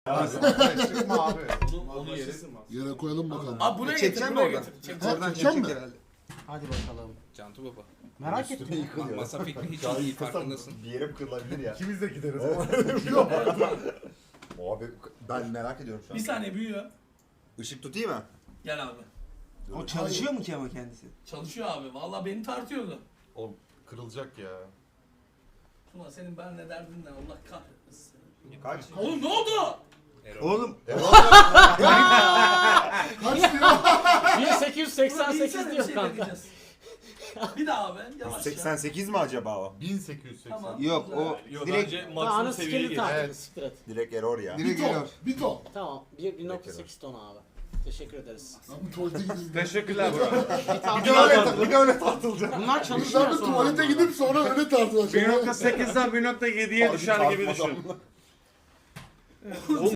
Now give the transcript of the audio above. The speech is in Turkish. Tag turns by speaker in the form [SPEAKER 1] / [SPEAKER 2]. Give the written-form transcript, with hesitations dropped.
[SPEAKER 1] Çıkma abi.
[SPEAKER 2] Onu yeriz.
[SPEAKER 3] Yere koyalım bakalım.
[SPEAKER 2] Abi buraya getir,
[SPEAKER 4] Çekeceğim
[SPEAKER 2] buraya
[SPEAKER 4] oradan.
[SPEAKER 2] getir. Çek.
[SPEAKER 4] Oradan
[SPEAKER 3] Çekeceğim
[SPEAKER 4] çekecek
[SPEAKER 3] mi?
[SPEAKER 4] herhalde.
[SPEAKER 5] Hadi bakalım.
[SPEAKER 2] Cantu baba.
[SPEAKER 5] Merak ettim.
[SPEAKER 2] Masa fikri hiç iyi farkındasın.
[SPEAKER 1] Bir yere kırılabilir ya.
[SPEAKER 3] İkimiz de gideriz.
[SPEAKER 1] Abi ben merak ediyorum şu an.
[SPEAKER 6] Bir saniye büyüyor.
[SPEAKER 1] Işık tutayım mı?
[SPEAKER 6] Gel abi.
[SPEAKER 4] O çalışıyor mu ki ama kendisi?
[SPEAKER 6] Çalışıyor abi. Vallahi beni tartıyordu.
[SPEAKER 7] Oğlum kırılacak ya.
[SPEAKER 6] Tuna senin ben ne derdin ne? Allah kahretmesin.
[SPEAKER 1] Kaç?
[SPEAKER 6] Oğlum ne oldu?
[SPEAKER 4] Oğlum
[SPEAKER 3] Kaç diyor?
[SPEAKER 5] 1888 diyor
[SPEAKER 6] Bir
[SPEAKER 5] kanka.
[SPEAKER 6] deneyeceğiz. Bir daha abi. Yavaş ya.
[SPEAKER 1] 88 mi acaba o?
[SPEAKER 7] 1880.
[SPEAKER 6] Tamam.
[SPEAKER 4] yok o
[SPEAKER 2] Yok
[SPEAKER 4] direkt
[SPEAKER 2] bence
[SPEAKER 5] Daha
[SPEAKER 2] maksimum
[SPEAKER 5] anı
[SPEAKER 2] seviyeye
[SPEAKER 5] skill'i
[SPEAKER 2] geç.
[SPEAKER 5] tartıştık. Siktir et.
[SPEAKER 1] Direkt error ya.
[SPEAKER 4] direkt
[SPEAKER 3] Bir ton.
[SPEAKER 4] geliyor.
[SPEAKER 3] Bir ton.
[SPEAKER 5] Tamam. 1.8 ton abi. Teşekkür ederiz.
[SPEAKER 3] Abi tuvalete gideyim.
[SPEAKER 7] Teşekkürler bro.
[SPEAKER 1] Bir de öyle tartılacak.
[SPEAKER 5] Bunlar
[SPEAKER 3] Biz
[SPEAKER 5] çalışmıyor
[SPEAKER 3] abi
[SPEAKER 5] sonra.
[SPEAKER 3] tuvalete gidip sonra öyle tartılacak.
[SPEAKER 7] 1.8'den 1.7'ye düşer gibi düşün.